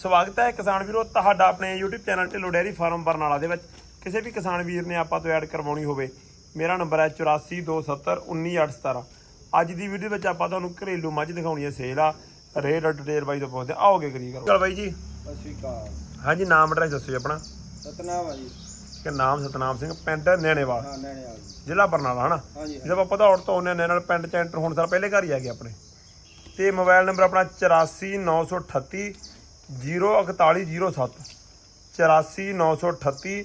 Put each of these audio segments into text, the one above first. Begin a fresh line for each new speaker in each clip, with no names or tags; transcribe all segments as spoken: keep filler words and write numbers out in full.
ਸਵਾਗਤ ਹੈ ਕਿਸਾਨ ਵੀਰੋ ਤੁਹਾਡਾ ਆਪਣੇ YouTube channel Dhillon dairy farm Barnala ਦੇ ਵਿੱਚ। ਕਿਸੇ ਵੀ ਕਿਸਾਨ ਵੀਰ ਨੇ ਆਪਾਂ ਤੋਂ ਐਡ ਕਰਵਾਉਣੀ ਹੋਵੇ, ਮੇਰਾ ਨੰਬਰ ਹੈ ਚੁਰਾਸੀ ਦੋ ਸੱਤਰ ਉੱਨੀ ਅੱਠ ਸਤਾਰਾਂ। ਅੱਜ ਦੀ ਵੀਡੀਓ ਵਿੱਚ ਆਪਾਂ ਤੁਹਾਨੂੰ ਘਰੇਲੂ ਮੱਝ ਦਿਖਾਉਣੀ ਹੈ ਸੇਲ ਆ। ਰੇਟ ਡਿਟੇਲ ਬਾਈ ਤੋਂ ਪੁੱਛਦੇ ਆਓਗੇ ਕਰੀ ਕਰੋ। ਚਲ ਬਾਈ ਜੀ
ਸਤਿ ਸ਼੍ਰੀ ਅਕਾਲ।
ਹਾਂਜੀ ਨਾਮ ਐਡਰੈਸ ਦੱਸੋ ਜੀ ਆਪਣਾ।
ਸਤਨਾਮ ਆ ਜੀ।
ਕਿ ਨਾਮ ਸਤਨਾਮ ਸਿੰਘ, ਪਿੰਡ ਨੈਣੇਵਾਲ,
ਹਾਂ ਨੈਣੇਵਾਲ ਜੀ,
ਜ਼ਿਲ੍ਹਾ ਬਰਨਾਲਾ ਹਨਾ।
ਹਾਂਜੀ
ਜਦੋਂ ਆਪਾਂ ਪਧੌੜ ਤੋਂ ਆਉਂਦੇ ਨੇ ਨਾਲ ਪਿੰਡ ਚ ਐਂਟਰ ਹੋਣ ਸਾਰ ਪਹਿਲੇ ਘਰ ਹੀ ਆ ਗਏ ਆਪਣੇ। ਤੇ ਮੋਬਾਈਲ ਨੰਬਰ ਆਪਣਾ ਚੁਰਾਸੀ ਨੌ ਸੌ ਅਠੱਤੀ ਜ਼ੀਰੋ ਇਕਤਾਲੀ ਜ਼ੀਰੋ ਸੱਤ, ਚੁਰਾਸੀ ਨੌ ਸੌ ਅਠੱਤੀ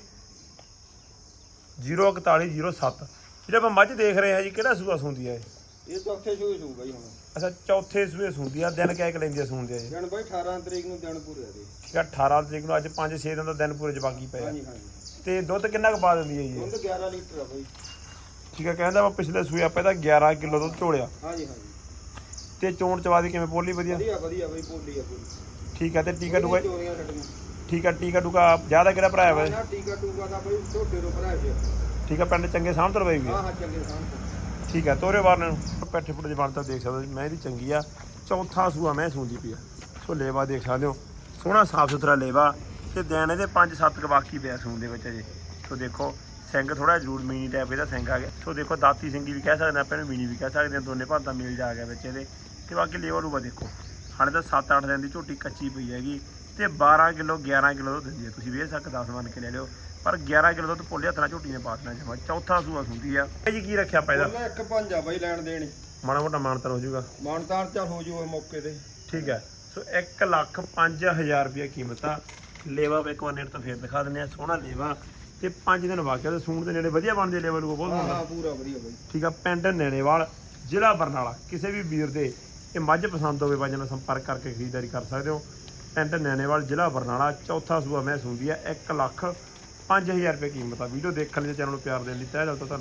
ਜ਼ੀਰੋ ਇਕਤਾਲੀ ਜ਼ੀਰੋ ਸੱਤ। ਜਿਹੜਾ ਆਪਾਂ ਮੱਝ ਦੇਖ ਰਹੇ ਹਾਂ ਜੀ, ਕਿਹੜਾ ਸੂਆ ਸੁੰਦੀ ਹੈ
ਇਹ ਚੌਥੇ ਸੂਏ ਸੂ ਬਾਈ ਹੁਣ।
ਅੱਛਾ ਚੌਥੇ ਸੂਏ ਸੁੰਦੀ ਆ। ਦਿਨ ਕਹਿ ਕੇ ਲੈਂਦੀ ਆ ਸੁੰਦੀ ਆ ਜੀ?
ਦਿਨ ਬਾਈ ਅਠਾਰਾਂ ਤਰੀਕ ਨੂੰ ਦਿਨ ਪੂਰੇ ਦੇ।
ਠੀਕ ਆ ਅਠਾਰਾਂ ਤਰੀਕ ਨੂੰ, ਅੱਜ ਪੰਜ ਛੇ ਦਿਨ ਦਾ ਦਿਨ ਪੂਰੇ ਚ ਬਾਕੀ ਪਏ ਆ।
ਹਾਂਜੀ ਹਾਂਜੀ।
ਤੇ ਦੁੱਧ ਕਿੰਨਾ ਕੁ ਪਾ ਦਿੰਦੀ ਹੈ ਜੀ?
ਦੁੱਧ ਗਿਆਰਾਂ ਲੀਟਰ ਆ ਬਾਈ।
ਠੀਕ ਆ, ਕਹਿੰਦਾ ਵਾ ਪਿਛਲੇ ਸੂਏ ਆਪਾਂ ਇਹਦਾ ਗਿਆਰਾਂ ਕਿਲੋ ਦੁੱਧ ਝੋਲਿਆ।
ਹਾਂਜੀ ਹਾਂਜੀ।
ਤੇ ਚੋਣ ਚਵਾ ਦੀ ਕਿਵੇਂ ਪੋਲੀ ਵਧੀਆ?
ਵਧੀਆ ਵਧੀਆ ਬਾਈ, ਪੋਲੀ ਆ ਪੂਰੀ।
ਠੀਕ ਆ। ਤੇ ਟੀਕਾ ਟੂਕਾ?
ਚੋਰੀਆਂ ਛੱਡੀਆਂ।
ਠੀਕ ਆ। ਟੀਕਾ ਟੂਕਾ ਜ਼ਿਆਦਾ ਕਿਹੜਾ ਭਰਾਇਆ ਵਾ?
ਨਾ ਟੀਕਾ ਟੂਕਾ ਦਾ ਬਾਈ ਢੋਡੇ ਤੋਂ ਭਰਾਇਆ ਪਿਆ।
ਠੀਕ ਆ। ਪਿੰਡ ਚੰਗੇ ਸਾਂਭ ਤਰਵਾਈ ਵੀ
ਹਾਂ ਹਾਂ ਚੰਗੇ ਸਾਹਮਣੇ।
ਠੀਕ ਆ। ਤੋਰੇ ਬਾਰ ਨੂੰ ਪੈਠੇ ਪੁੱਟ ਜਵਾਨ ਤਾਂ ਦੇਖ ਸਕਦੇ ਹੋ, ਮੈਂ ਇਹਦੀ ਚੰਗੀ ਆ। ਚੌਥਾ ਸੂਆ ਮੈਂ ਸੂੰਦੀ ਪਈ ਆ। ਸੋ ਲੇਵਾ ਦੇਖ ਸਕਦੇ ਹੋ, ਸੋਹਣਾ ਸਾਫ ਸੁਥਰਾ ਲੇਵਾ। ਤੇ ਦਿਨ ਇਹਦੇ ਪੰਜ ਸੱਤ ਕੁ ਬਾਕੀ ਪਿਆ ਸੂਣ ਦੇ ਵਿੱਚ ਅਜੇ। ਸੋ ਦੇਖੋ ਸਿੰਘ ਥੋੜਾ ਜ਼ਰੂਰ ਮੀਨੀ ਟਾਈਪ ਇਹਦਾ ਸਿੰਘ ਆ ਗਿਆ। ਸੋ ਦੇਖੋ ਦਾਤੀ ਸਿੰਘੀ ਵੀ ਕਹਿ ਸਕਦੇ ਆਪਾਂ ਇਹਨੂੰ, ਮੀਨੀ ਵੀ ਕਹਿ ਸਕਦੇ ਹਾਂ। ਦੋਨੇ ਭਾਂਤਾਂ ਮੇਲ ਜਾ ਗਿਆ ਵਿੱਚ ਇਹਦੇ। ਤੇ ਬਾਕੀ ਲੇਵਾ ਲੂਵਾ ਦੇਖੋ, ਹਾਲੇ ਤਾਂ ਸੱਤ ਅੱਠ ਦਿਨ ਦੀ ਝੋਟੀ ਕੱਚੀ ਪਈ ਹੈਗੀ। ਤੇ ਬਾਰਾਂ ਕਿਲੋ ਗਿਆਰਾਂ ਕਿਲੋ ਦੁੱਧ ਦਿੰਦੀ ਹੈ। ਤੁਸੀਂ ਵੇਖ ਸਕ ਦਸ ਮੰਨ ਕੇ ਲੈ ਲਿਓ, ਪਰ ਗਿਆਰਾਂ ਕਿਲੋ ਦੁੱਧ ਭੋਲੇ ਹੱਥ ਨਾਲ ਝੋਟੀ ਨੇ ਪਾ ਦੇਣਾ ਜਮਾ। ਚੌਥਾ ਸੂਆ ਸੁੰਦੀ ਆ ਜੀ। ਕੀ ਰੱਖਿਆ ਆਪਾਂ ਇਹਦਾ?
ਇੱਕ ਪੰਜ ਆ ਬਾਈ ਲੈਣ ਦੇਣੀ।
ਮਾੜਾ ਮੋਟਾ ਮਾਨਤਾਨ ਹੋ ਜਾਊਗਾ?
ਮਾਨਤਾਨ ਚਾ ਹੋ ਜੂ ਮੌਕੇ ਤੇ।
ਠੀਕ ਹੈ। ਸੋ ਇੱਕ ਲੱਖ ਪੰਜ ਹਜ਼ਾਰ ਰੁਪਇਆ ਕੀਮਤ ਆ। ਲੇਵਾ ਇੱਕ ਵਾਰ ਨੇੜ ਤੋਂ ਫੇਰ ਦਿਖਾ ਦਿੰਦੇ ਆ। ਸੋਹਣਾ ਲੇਵਾ ਤੇ ਪੰਜ ਦਿਨ ਵਾਕਿਆ ਤੇ ਸੂਣ ਦੇ ਨੇੜੇ ਵਧੀਆ ਬਣਦੇ ਲੇਵਾ ਲੂਗਾ ਬਹੁਤ
ਹਾਂ
ਬਣਦਾ।
ਹਾਂ ਪੂਰਾ ਵਧੀਆ ਬਾਈ।
ਠੀਕ ਆ। ਪਿੰਡ ਨੈਣੇਵਾਲ, ਜ਼ਿਲ੍ਹਾ ਬਰਨਾਲਾ। ਕਿਸੇ ਵੀ ਵੀਰ ਦੇ ਇਹ ਮੱਝ ਪਸੰਦ ਹੋਵੇ ਬਾਈ ਨਾਲ ਸੰਪਰਕ ਕਰਕੇ ਖਰੀਦਦਾਰੀ ਕਰ ਸਕਦੇ ਹੋ। ਪਿੰਡ ਨੈਣੇਵਾਲ, ਜ਼ਿਲ੍ਹਾ ਬਰਨਾਲਾ। ਚੌਥਾ ਸੂਆ ਮੈਂ ਸੁਣਦੀ ਆ। ਇੱਕ ਲੱਖ ਪੰਜ ਹਜ਼ਾਰ ਰੁਪਏ ਕੀਮਤ ਆ। ਵੀਡੀਓ ਦੇਖਣ ਲਈ ਚੈਨਲ ਨੂੰ ਪਿਆਰ ਦੇਣ ਲਈ ਤਹਿ ਦਿਲ ਤੋਂ ਧੰਨਵਾਦ।